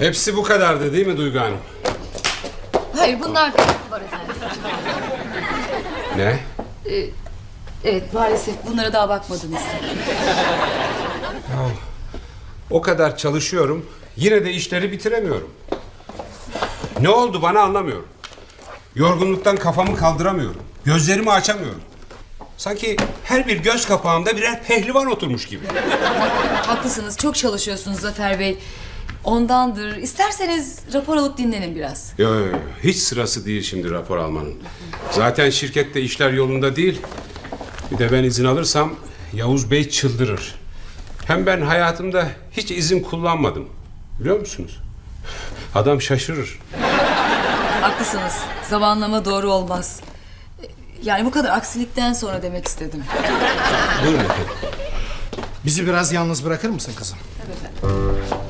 Hepsi bu kadardı değil mi Duygu Hanım? Hayır, bunlar da var efendim. Ne? Evet, maalesef bunlara daha bakmadınız. O kadar çalışıyorum, yine de işleri bitiremiyorum. Ne oldu bana anlamıyorum. Yorgunluktan kafamı kaldıramıyorum. Gözlerimi açamıyorum. Sanki her bir göz kapağımda birer pehlivan oturmuş gibi. Haklısınız, çok çalışıyorsunuz Zafer Bey. Ondandır. İsterseniz rapor alıp dinlenin biraz. Yo, hiç sırası değil şimdi rapor almanın. Zaten şirkette işler yolunda değil. Bir de ben izin alırsam Yavuz Bey çıldırır. Hem ben hayatımda hiç izin kullanmadım. Biliyor musunuz? Adam şaşırır. Haklısınız. Zamanlama doğru olmaz. Yani bu kadar aksilikten sonra demek istedim. Buyurun efendim. Bizi biraz yalnız bırakır mısın kızım? Tabii efendim.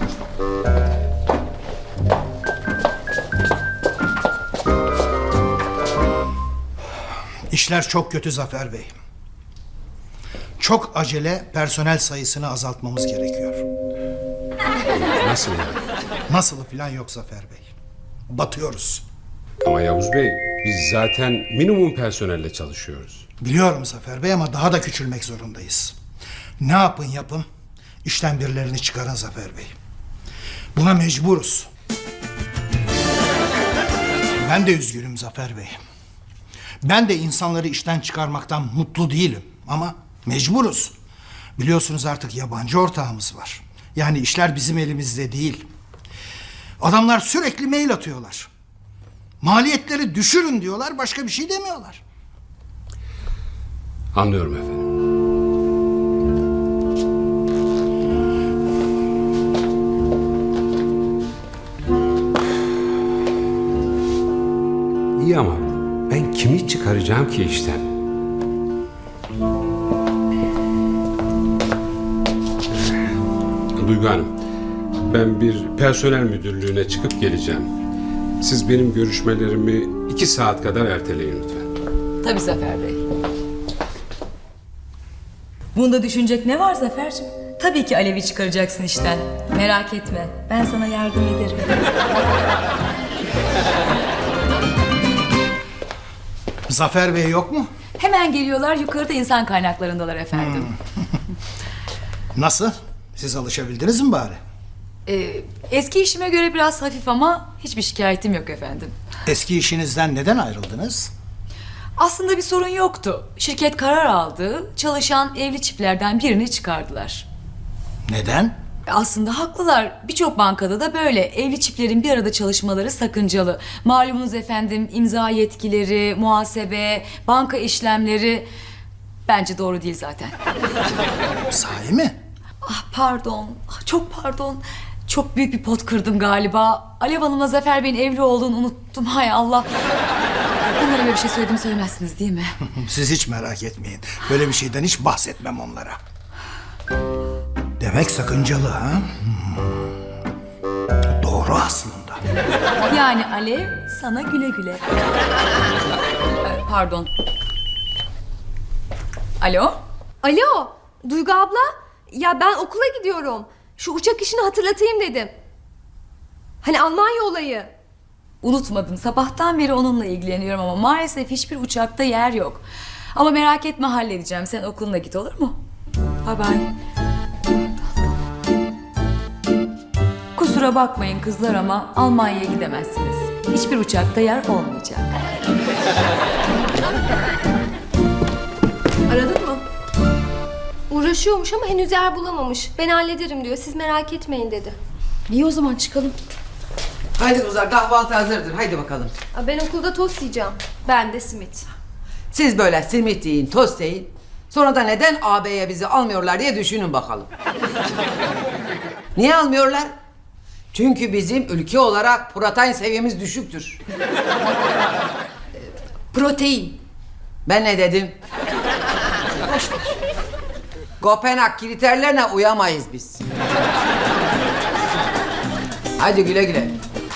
İşler çok kötü Zafer Bey. Çok acele personel sayısını azaltmamız gerekiyor. Nasıl yani? Nasılı falan yok Zafer Bey. Batıyoruz. Ama Yavuz Bey, biz zaten minimum personelle çalışıyoruz. Biliyorum Zafer Bey ama daha da küçülmek zorundayız. Ne yapın yapın, işten birilerini çıkarın Zafer Bey. Buna mecburuz. Ben de üzgünüm Zafer Bey. Ben de insanları işten çıkarmaktan mutlu değilim ama mecburuz. Biliyorsunuz artık yabancı ortağımız var. Yani işler bizim elimizde değil. Adamlar sürekli mail atıyorlar. Maliyetleri düşürün diyorlar, başka bir şey demiyorlar. Anlıyorum efendim. İyi ama ben kimi çıkaracağım ki işten? Duygu Hanım, ben bir personel müdürlüğüne çıkıp geleceğim. Siz benim görüşmelerimi 2 saat kadar erteleyin lütfen. Tabii Zafer Bey. Bunda düşünecek ne var Zafer'cim? Tabii ki Alev'i çıkaracaksın işten. Merak etme. Ben sana yardım ederim. Zafer Bey yok mu? Hemen geliyorlar. Yukarıda insan kaynaklarındalar efendim. Nasıl? Siz alışabildiniz mi bari? Eski işime göre biraz hafif ama hiçbir şikayetim yok efendim. Eski işinizden neden ayrıldınız? Aslında bir sorun yoktu. Şirket karar aldı. Çalışan evli çiftlerden birini çıkardılar. Neden? Aslında haklılar. Birçok bankada da böyle. Evli çiftlerin bir arada çalışmaları sakıncalı. Malumunuz efendim, imza yetkileri, muhasebe, banka işlemleri... Bence doğru değil zaten. Sahi mi? Ah pardon, çok pardon. Çok büyük bir pot kırdım galiba. Alev Hanım'la Zafer Bey'in evli olduğunu unuttum. Hay Allah. Onlara böyle bir şey söyledim söylemezsiniz değil mi? Siz hiç merak etmeyin. Böyle bir şeyden hiç bahsetmem onlara. Demek sakıncalı ha? Doğru aslında. Yani Alev sana güle güle. Pardon. Alo? Alo, Duygu abla. Ya ben okula gidiyorum. Şu uçak işini hatırlatayım dedim. Hani Almanya olayı. Unutmadım. Sabahtan beri onunla ilgileniyorum ama maalesef hiçbir uçakta yer yok. Ama merak etme, halledeceğim. Sen okuluna git, olur mu? Bye bye. Kusura bakmayın kızlar ama Almanya'ya gidemezsiniz. Hiçbir uçakta yer olmayacak. Aradın mı? Uğraşıyormuş ama henüz yer bulamamış. Ben hallederim diyor. Siz merak etmeyin dedi. İyi, o zaman çıkalım. Haydi kızlar, kahvaltı hazırdır. Haydi bakalım. Ben okulda tost yiyeceğim. Ben de simit. Siz böyle simit yiyin, tost yiyin. Sonra da neden AB'ye bizi almıyorlar diye düşünün bakalım. Niye almıyorlar? Çünkü bizim ülke olarak protein seviyemiz düşüktür. Protein. Ben ne dedim? Kopenhag kriterlerine uyamayız biz. Hadi güle güle.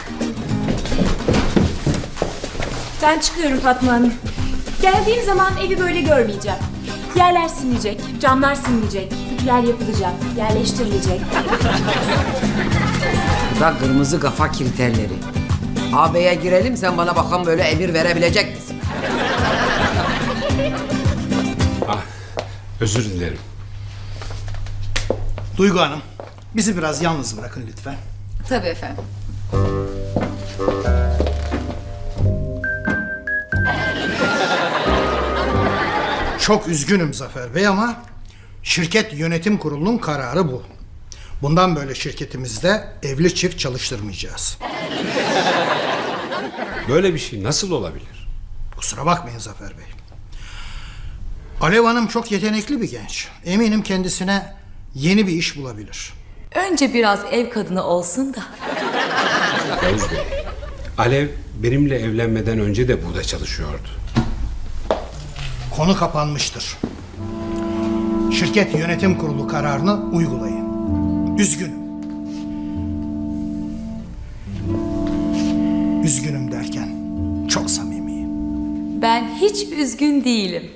Ben çıkıyorum Fatma Hanım. Geldiğim zaman evi böyle görmeyeceğim. Yerler silinecek, camlar silinecek, ütüler yapılacak, yerleştirilecek. Bu da kırmızı kafa kriterleri. AB'ye girelim, sen bana bakalım böyle emir verebilecek misin? Ah, özür dilerim. Duygu Hanım, bizi biraz yalnız bırakın lütfen. Tabii efendim. Çok üzgünüm Zafer Bey ama şirket yönetim kurulunun kararı bu. Bundan böyle şirketimizde evli çift çalıştırmayacağız. Böyle bir şey nasıl olabilir? Kusura bakmayın Zafer Bey. Alev Hanım çok yetenekli bir genç. Eminim kendisine yeni bir iş bulabilir. Önce biraz ev kadını olsun da. Yavuz Bey, Alev benimle evlenmeden önce de burada çalışıyordu. Konu kapanmıştır. Şirket yönetim kurulu kararını uygulayın. Üzgünüm. Üzgünüm derken çok samimiyim. Ben hiç üzgün değilim.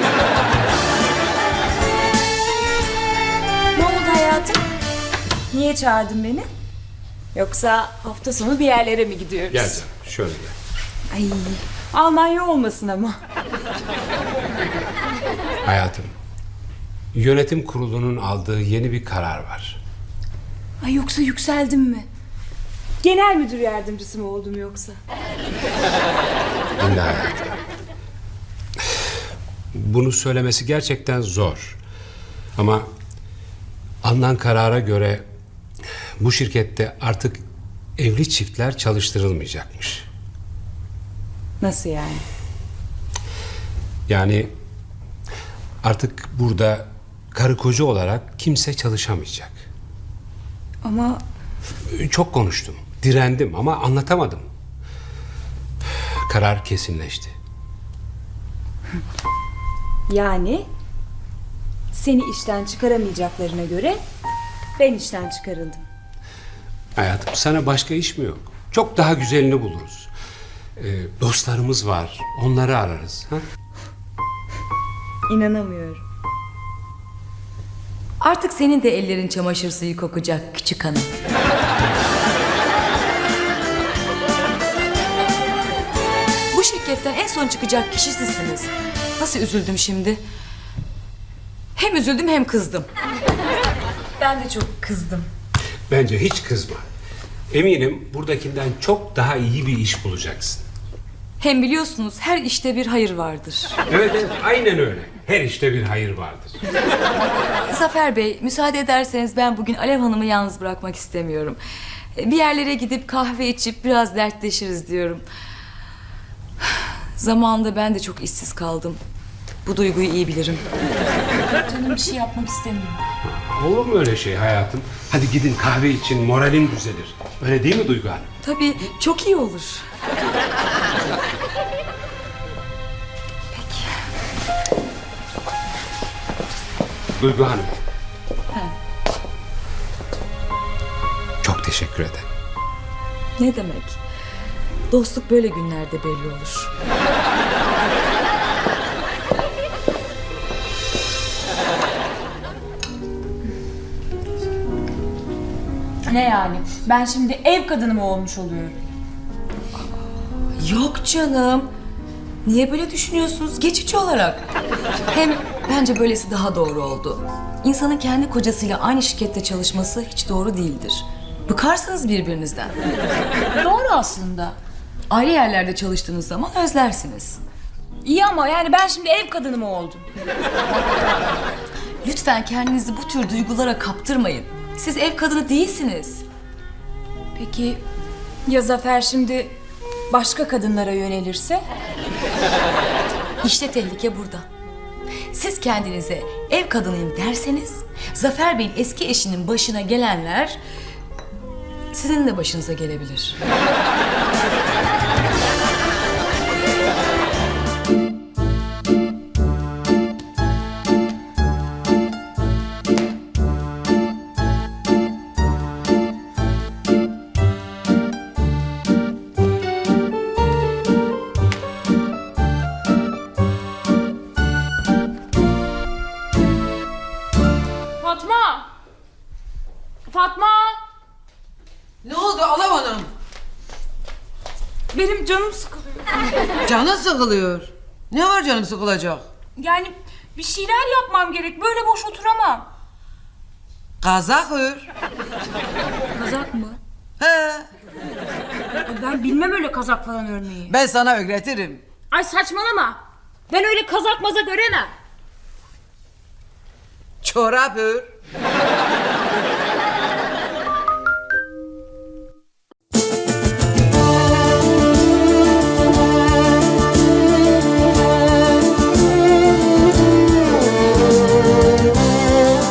Ne oldu hayatım? Niye çağırdın beni? Yoksa hafta sonu bir yerlere mi gidiyoruz? Gel canım, şöyle gel. Ay, Almanya olmasın ama. Hayatım, yönetim kurulunun aldığı yeni bir karar var. Ay yoksa yükseldim mi? Genel müdür yardımcısı mı oldum yoksa? Dinle hayatım. Bunu söylemesi gerçekten zor. Ama alınan karara göre bu şirkette artık evli çiftler çalıştırılmayacakmış. Nasıl yani? Yani artık burada karı koca olarak kimse çalışamayacak. Ama Çok konuştum, direndim ama anlatamadım. Karar kesinleşti. yani seni işten çıkaramayacaklarına göre ben işten çıkarıldım. Hayatım, sana başka iş mi yok? Çok daha güzelini buluruz. Dostlarımız var, onları ararız. Ha? İnanamıyorum. Artık senin de ellerin çamaşır suyu kokacak küçük hanım. Bu şirketten en son çıkacak kişi sizsiniz. Nasıl üzüldüm şimdi? Hem üzüldüm hem kızdım. Ben de çok kızdım. Bence hiç kızma. Eminim buradakinden çok daha iyi bir iş bulacaksın. Hem biliyorsunuz her işte bir hayır vardır. Evet, evet, aynen öyle. Her işte bir hayır vardır. Zafer Bey, müsaade ederseniz ben bugün Alev Hanım'ı yalnız bırakmak istemiyorum. Bir yerlere gidip kahve içip biraz dertleşiriz diyorum. Zamanında ben de çok işsiz kaldım. Bu duyguyu iyi bilirim. Canım bir şey yapmak istemiyorum. Olur mu öyle şey hayatım? Hadi gidin kahve için, moralin düzelir. Öyle değil mi Duygu Hanım? Tabii çok iyi olur. Duygu Hanım. Çok teşekkür ederim. Ne demek? Dostluk böyle günlerde belli olur. Ne yani? Ben şimdi ev kadını mı olmuş oluyorum? Yok canım. Niye böyle düşünüyorsunuz? Geçici olarak. Hem bence böylesi daha doğru oldu. İnsanın kendi kocasıyla aynı şirkette çalışması hiç doğru değildir. Bıkarsınız birbirinizden. Doğru aslında. Ayrı yerlerde çalıştığınız zaman özlersiniz. İyi ama yani ben şimdi ev kadını mı oldum? Lütfen kendinizi bu tür duygulara kaptırmayın. Siz ev kadını değilsiniz. Peki ya Zafer şimdi başka kadınlara yönelirse? İşte tehlike burada. Siz kendinize ev kadınıyım derseniz, Zafer Bey'in eski eşinin başına gelenler sizin de başınıza gelebilir. Fatma! Fatma! Ne oldu canım sıkılıyor. Canın sıkılıyor. Ne var canım sıkılacak? Yani bir şeyler yapmam gerek. Böyle boş oturamam. Kazak ör. Kazak mı? He. Ben bilmem öyle kazak falan örmeyi. Ben sana öğretirim. Ay saçmalama. Ben öyle kazak mazak öremem. Çorap ör.